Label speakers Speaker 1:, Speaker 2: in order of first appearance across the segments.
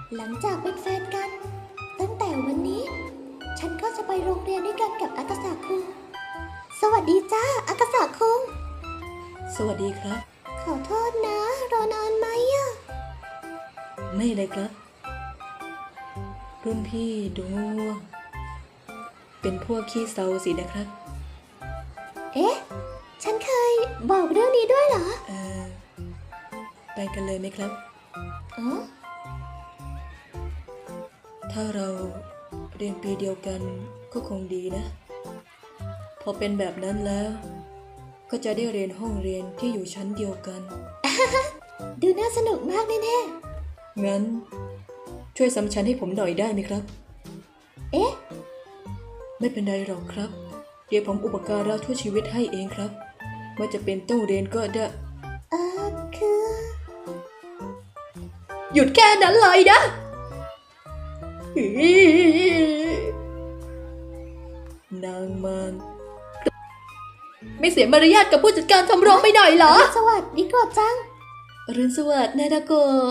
Speaker 1: หลังจากเป็นแฟนกัน ตั้งแต่วันนี้ ฉันก็จะไปโรงเรียนด้วยกันกับอากาศะคุงสวัสดีจ้าอากาศะคุง
Speaker 2: สวัสดีครับ
Speaker 1: ขอโทษนะรอนานไหมอะ
Speaker 2: ไม่เลยครับรุ่นพี่ดูง่วงๆเป็นพวกขี้เซาสินะครับ
Speaker 1: เอ๊ะฉันเคยบอกเรื่องนี้ด้วยเหรอ
Speaker 2: ไปกันเลยไหมครับ
Speaker 1: อ๋อ
Speaker 2: ถ้าเราเรียนปีเดียวกันก็คงดีนะพอเป็นแบบนั้นแล้วก็จะได้เรียนห้องเรียนที่อยู่ชั้นเดียวกัน
Speaker 1: ดูน่าสนุกมากแน่
Speaker 2: ๆงั้นช่วยซ้ำชั้นให้ผมหน่อยได้ไหมครับ
Speaker 1: เอ๊ะ
Speaker 2: ไม่เป็นไรหรอกครับเดี๋ยวผมอุปการะทั่วชีวิตให้เองครับว่าจะเป็นต้องเรียนก็ได้
Speaker 1: คือ
Speaker 2: หยุดแค่นั้นเลยนะนางมารไม่เสียมารยาทกับผู้จัดการชมรมไปหน่อยเหรอ
Speaker 1: สวัสดีกว่าจัง
Speaker 2: อรุณสวัสดิ์นาดาโก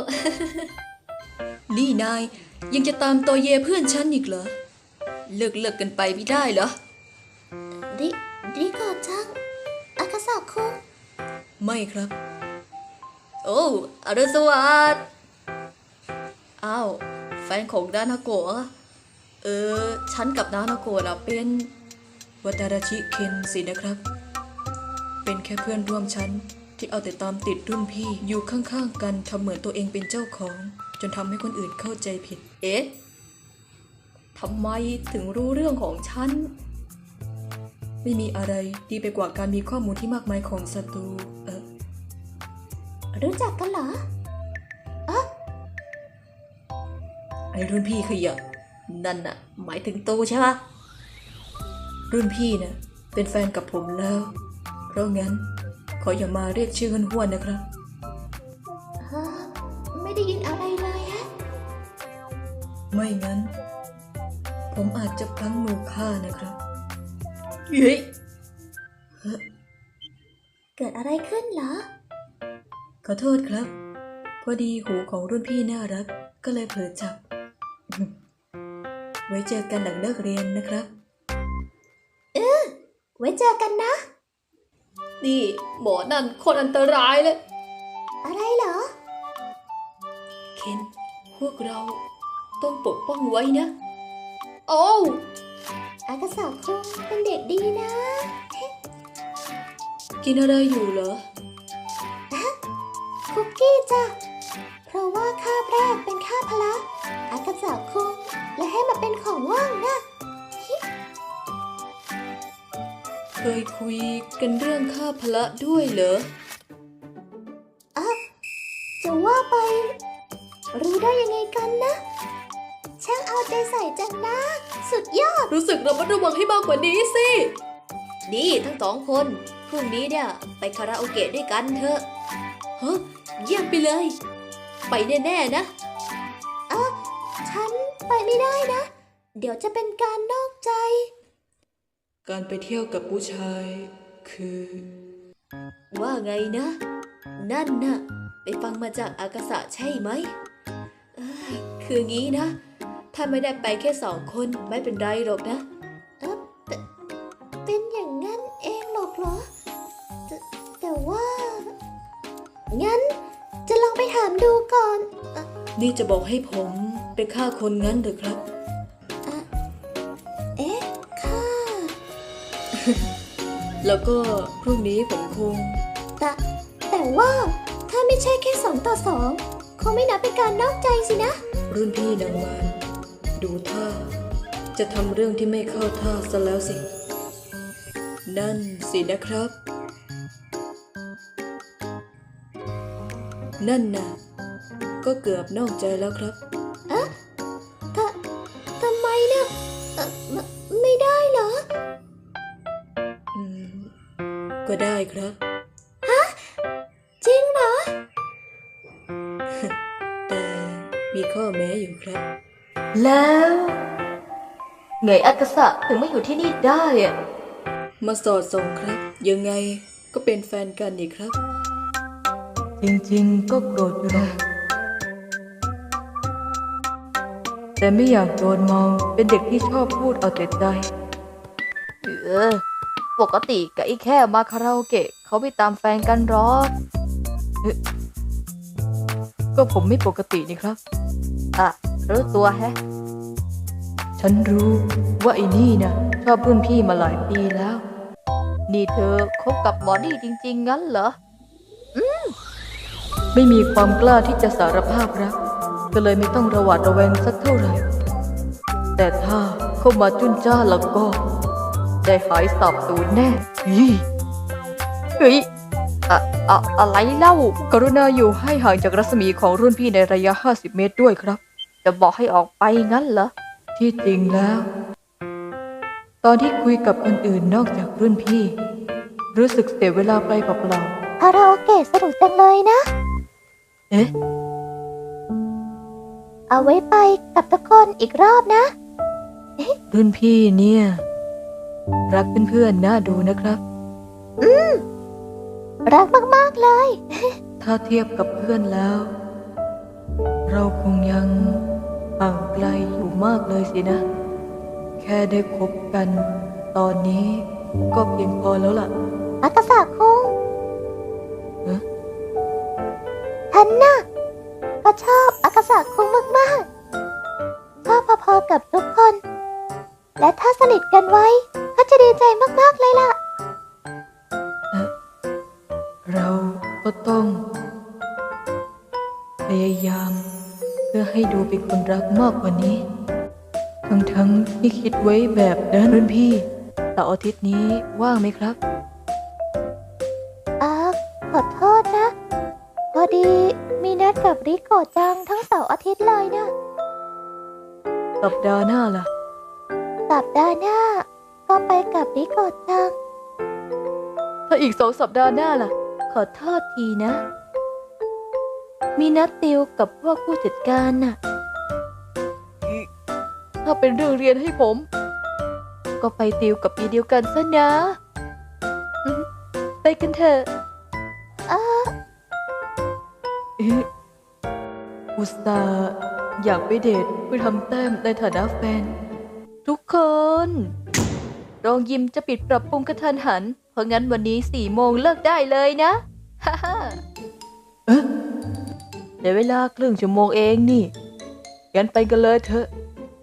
Speaker 2: นี่นายยังจะตามตัวเยเพื่อนฉันอีกเหรอเลิกกันไปไม่ได้เหรอ
Speaker 1: ดีกว่าจังอากาศะคุง
Speaker 2: ไม่ครับโอ้อรุณสวัสดิ์อ้าวแฟนของนานาโกะฉันกับนานาโกะน่ะเป็นวัตาราชิเคนสินะครับเป็นแค่เพื่อนร่วมชั้นที่เอาแต่ตามติดรุ่นพี่อยู่ข้างๆกันทำเหมือนตัวเองเป็นเจ้าของจนทำให้คนอื่นเข้าใจผิดทำไมถึงรู้เรื่องของฉันไม่มีอะไรดีไปกว่าการมีข้อมูลที่มากมายของศัตรู
Speaker 1: รู้จักกันเหรอ
Speaker 2: ไอ้รุ่นพี่ขยะนั่นน่ะหมายถึงตูใช่ปะรุ่นพี่น่ะเป็นแฟนกับผมแล้วเพราะงั้นขออย่ามาเรียกชื่อห้วนๆนะครับ
Speaker 1: ไม่ได้ยินอะไรเลยฮะ
Speaker 2: ไม่งั้นผมอาจจะพลั้งมือฆ่านะครับเฮ้ย
Speaker 1: เกิดอะไรขึ้นเหรอ
Speaker 2: ขอโทษครับพอดีหูของรุ่นพี่น่ารักก็เลยเผลอจับไว้เจอกันหลังเลิกเรียนนะครับ
Speaker 1: ไว้เจอกันนะ
Speaker 2: นี่หมอนั่นคนอันตรายเลย
Speaker 1: อะไรเหรอ
Speaker 2: เคนพวกเราต้องปกป้องไว้นะโอ้
Speaker 1: อากาศะคุงเป็นเด็กดีนะ
Speaker 2: กินอะไรอยู่เหรอ
Speaker 1: คุกกี้จ้ะเพราะว่าคาบแรกเป็นคาบพละอากาศะคุงและให้มาเป็นของว่างนะ
Speaker 2: เคยคุยกันเรื่องค่าพละด้วยเหรอ
Speaker 1: จะว่าไปรู้ได้ยังไงกันนะช่างเอาใจใส่จังนะสุดยอด
Speaker 2: รู้สึกระมัดระวังให้มากกว่านี้สินี่ทั้งสองคนพรุ่งนี้เนี่ยไปคาราโอเกะด้วยกันเถอะเยี่ยมไปเลยไปแน่ๆนะ
Speaker 1: ฉันไปไม่ได้นะเดี๋ยวจะเป็นการนอกใจ
Speaker 2: การไปเที่ยวกับผู้ชายคือว่าไงนะนั่นน่ะไปฟังมาจากอากาศะใช่ไหมคืองี้นะถ้าไม่ได้ไปแค่2 คนไม่เป็นไรหรอกนะ
Speaker 1: เป็นอย่างนั้นเองหรอกเหรอแต่ว่างั้นจะลองไปถามดูก่อน
Speaker 2: นี่จะบอกให้ผมไปฆ่าคนงั้นหรือครับ
Speaker 1: ฆ่า
Speaker 2: แล้วก็พรุ่งนี้ผมคง
Speaker 1: แต่ว่าถ้าไม่ใช่แค่2 ต่อ 2คงไม่นับเป็นการนอกใจสินะ
Speaker 2: รุ่นพี่นางมารดูท่าจะทำเรื่องที่ไม่เข้าท่าซะแล้วสินั่นสินะครับนั่นน่ะก็เกือบนอกใจแล้วครับ
Speaker 1: ทำไมเนี่ยไม่ได้เหรอ
Speaker 2: ก็ได้ครับ
Speaker 1: จริงเหรอ
Speaker 2: แต่มีข้อแม้อยู่ครับ
Speaker 3: แล้วไงอากาศะถึงไม่อยู่ที่นี่ได้อะ
Speaker 2: มาสอดส่องครับยังไงก็เป็นแฟนกันนี่ครับ
Speaker 3: จริงๆก็โกรธอยู่หรอกแต่ไม่อยากโดนมองเป็นเด็กที่ชอบพูดเอาแต่ใจปกติกับไอ้แค่มาคาราโอเกะเขาไม่ตามแฟนกันหรอกก็ผมไม่ปกตินี่ครับรู้ตัวแฮะฉันรู้ว่าไอ้นี่นะชอบรุ่นพี่มาหลายปีแล้ว นี่เธอคบกับหมอนี่จริงๆงั้นเหรอไม่มีความกล้าที่จะสารภาพรักก็เลยไม่ต้องระหวาดระแวงสักเท่าไหร่แต่ถ้าเข้ามาจุนจ้าแล้วก็ได้หายสาบสูญแน่เฮ้ยอะไรเล่ากรุณาอยู่ให้ห่างจากรัศมีของรุ่นพี่ในระยะ50 เมตรด้วยครับจะบอกให้ออกไปงั้นเหรอที่จริงแล้วตอนที่คุยกับคนอื่นนอกจากรุ่นพี่รู้สึกเสียเวลาไปเปล่า
Speaker 1: คาราโอเกะสนุกจังเลยนะ
Speaker 3: ๆเอ๊ะ
Speaker 1: เอาไว้ไปกับทุกคนอีกรอบนะ
Speaker 3: รุ่นพี่เนี่ยรักเพื่อนๆน่าดูนะครับ
Speaker 1: รักมากๆเลย
Speaker 3: ถ้าเทียบกับเพื่อนแล้ว เราคงยังห่างไกลอยู่มากเลยสินะ แค่ได้คบกันตอนนี้ก็เพียงพอแล้วล่ะ
Speaker 1: อากาศะคุง
Speaker 3: เอ๊ะ
Speaker 1: ฉันน่ะก็ชอบอากาศะคุงมากๆชอบพอๆกับทุกคน และถ้าสนิทกันไว้ก็จะดีใจมากๆเลยล่ะ
Speaker 3: เราก็ต้องพยายามเพื่อให้ดูเป็นคนรักมากกว่านี้ทั้งที่คิดไว้แบบนั้นรุ่นพี่เสาร์อาทิตย์นี้ว่างไหมครับ
Speaker 1: ขอโทษนะ พอดีมีนัดกับริโกะจังทั้งเสาร์อาทิตย์เลยนะ
Speaker 3: สัปดาห์หน้าล่ะ
Speaker 1: สัปดาห์หน้าก็ไปกับริโกะจัง
Speaker 3: ถ้าอีก2 สัปดาห์หน้าล่ะ ขอโทษทีนะ มีนัดติวกับพวกผู้จัดการน่ะ ถ้าเป็นเรื่องเรียนให้ผม ก็ไปติวกับปีเดียวกันซะนะไปกันเถอะอุตส่าห์อยากไปเดทเพื่อทำแต้มในฐานะแฟน ทุกคนโรงยิมจะปิดปรับปรุงกระทันหัน เพราะงั้นวันนี้4 โมงเลิกได้เลยนะ ฮ่าฮ่าเดี๋ยวเวลาครึ่งชั่วโมงเองนี่งั้นไปกันเลยเถอะ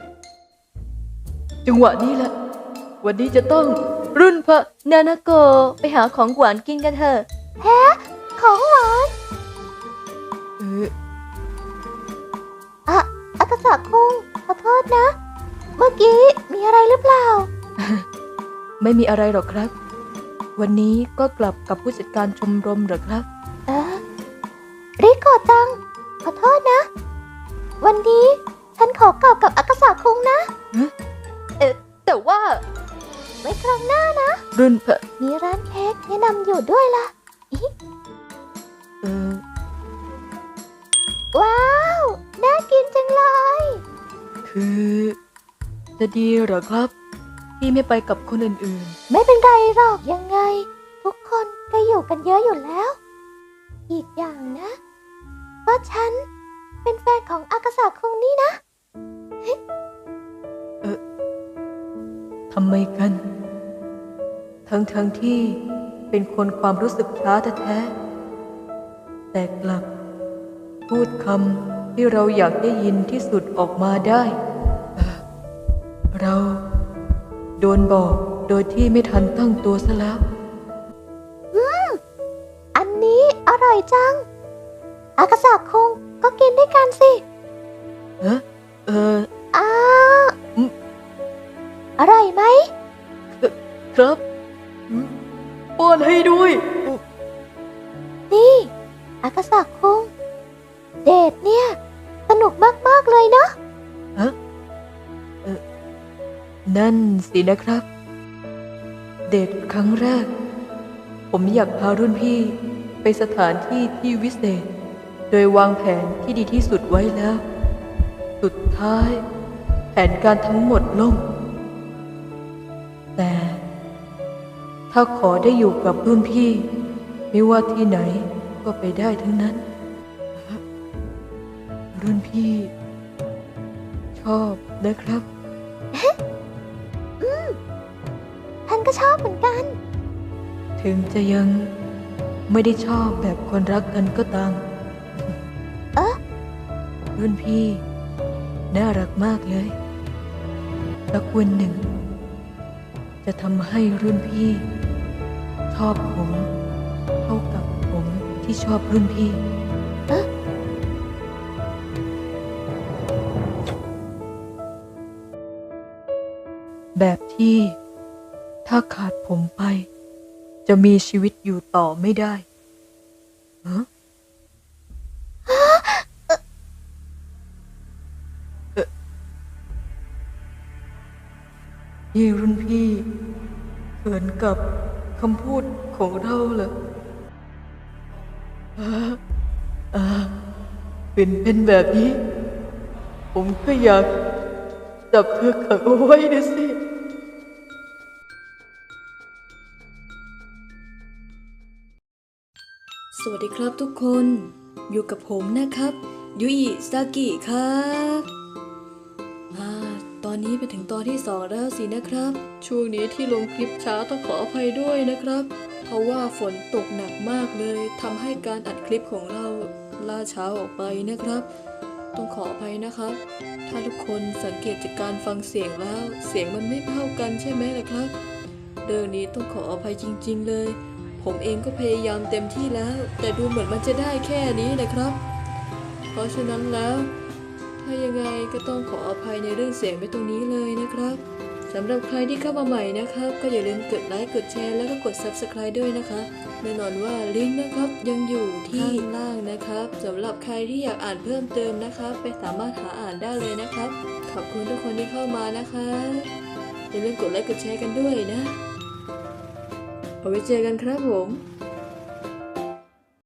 Speaker 3: จังหวะนี้แหละวันนี้จะต้องรุ่นพระนานาโกไปหาของหวานกินกันเถอะ
Speaker 1: ของหวาน อากาศะคุงขอโทษนะ เมื่อกี้มีอะไรหรือเปล่า
Speaker 3: ไม่มีอะไรหรอกครับ วันนี้ก็กลับกับผู้จัดการชมรมเหรอครับ
Speaker 1: ริโกะจังขอโทษนะ วันนี้ฉันขอกลับกับอากาศะคุงนะ
Speaker 3: แต่ว่า
Speaker 1: ไว้ครั้งหน้านะ
Speaker 3: รุ่นพระ
Speaker 1: มีร้านเค้กแนะนำอยู่ด้วยล่ะ ว้าว น่ากินจังเลย
Speaker 3: คือจะดีเหรอครับ ที่ไม่ไปกับคนอื่น
Speaker 1: ไม่เป็นไรหรอกยังไง ทุกคนก็อยู่กันเยอะอยู่แล้ว อีกอย่างนะก็ฉันเป็นแฟนของอากาศะคุงนี่นะ
Speaker 3: ทำไมกัน ทั้งที่เป็นคนความรู้สึกช้าแท้ๆแต่กลับพูดคำที่เราอยากได้ยินที่สุดออกมาได้ เราโดนบอกโดยที่ไม่ทันตั้งตัวซะแล้ว
Speaker 1: อันนี้อร่อยจัง อากาศะคุงก็กินด้วยกันสิ อ้าอร่อยไหม
Speaker 3: ครับป้อนให้ด้วย
Speaker 1: นี่ อากาศะคุงเดทเนี่ยสนุกมากๆเลยเนาะ
Speaker 3: นั่นสินะครับ เดทครั้งแรก ผมอยากพารุ่นพี่ไปสถานที่ที่วิเศษ โดยวางแผนที่ดีที่สุดไว้แล้ว สุดท้ายแผนการทั้งหมดล่ม แต่ถ้าขอได้อยู่กับรุ่นพี่ ไม่ว่าที่ไหนก็ไปได้ทั้งนั้น รุ่นพี่ ชชอบนะครับ
Speaker 1: ฉันก็ชอบเหมือนกัน
Speaker 3: ถึงจะยังไม่ได้ชอบแบบคนรักกันก็ตาม
Speaker 1: เอ๊ะ
Speaker 3: รุ่นพี่ น่ารักมากเลยสักวันหนึ่ง จะทำให้รุ่นพี่ ชอบผมเท่ากับผมที่ชอบรุ่นพี่ แบบที่ถ้าขาดผมไป จะมีชีวิตอยู่ต่อไม่ได้ฮะนี่รุ่นพี่เขินกับคำพูดของเราเหรออ่าอ่าเป็นแบบนี้ ผมก็อยากจับเธอขังเอาไว้นะสิ
Speaker 2: สวัสดีครับทุกคน อยู่กับผมนะครับ ยุอิซากิครับตอนนี้ไปถึงตอนที่ 2 แล้วสินะครับ ช่วงนี้ที่ลงคลิปช้าต้องขออภัยด้วยนะครับ เพราะว่าฝนตกหนักมากเลยทำให้การอัดคลิปของเราล่าช้าออกไปนะครับ ต้องขออภัยนะครับ ถ้าทุกคนสังเกตจากการฟังเสียงแล้ว เสียงมันไม่เท่ากันใช่ไหมล่ะครับ เรื่องนี้ต้องขออภัยจริงๆเลย ผมเองก็พยายามเต็มที่แล้ว แต่ดูเหมือนมันจะได้แค่นี้นะครับ เพราะฉะนั้นแล้ว ถ้ายังไงก็ต้องขออภัยในเรื่องเสียงไปตรงนี้เลยนะครับสำหรับใครที่เข้ามาใหม่นะครับ ก็อย่าลืมกดไลค์กดแชร์แล้วก็กด Subscribe ด้วยนะคะแน่นอนว่าลิงก์นะครับยังอยู่ที่ข้างล่างนะครับสำหรับใครที่อยากอ่านเพิ่มเติมนะครับไปสามารถหาอ่านได้เลยนะครับขอบคุณทุกคนที่เข้ามานะคะอย่าลืมกดไลค์กดแชร์กันด้วยนะเอาไว้เจอกันครับผม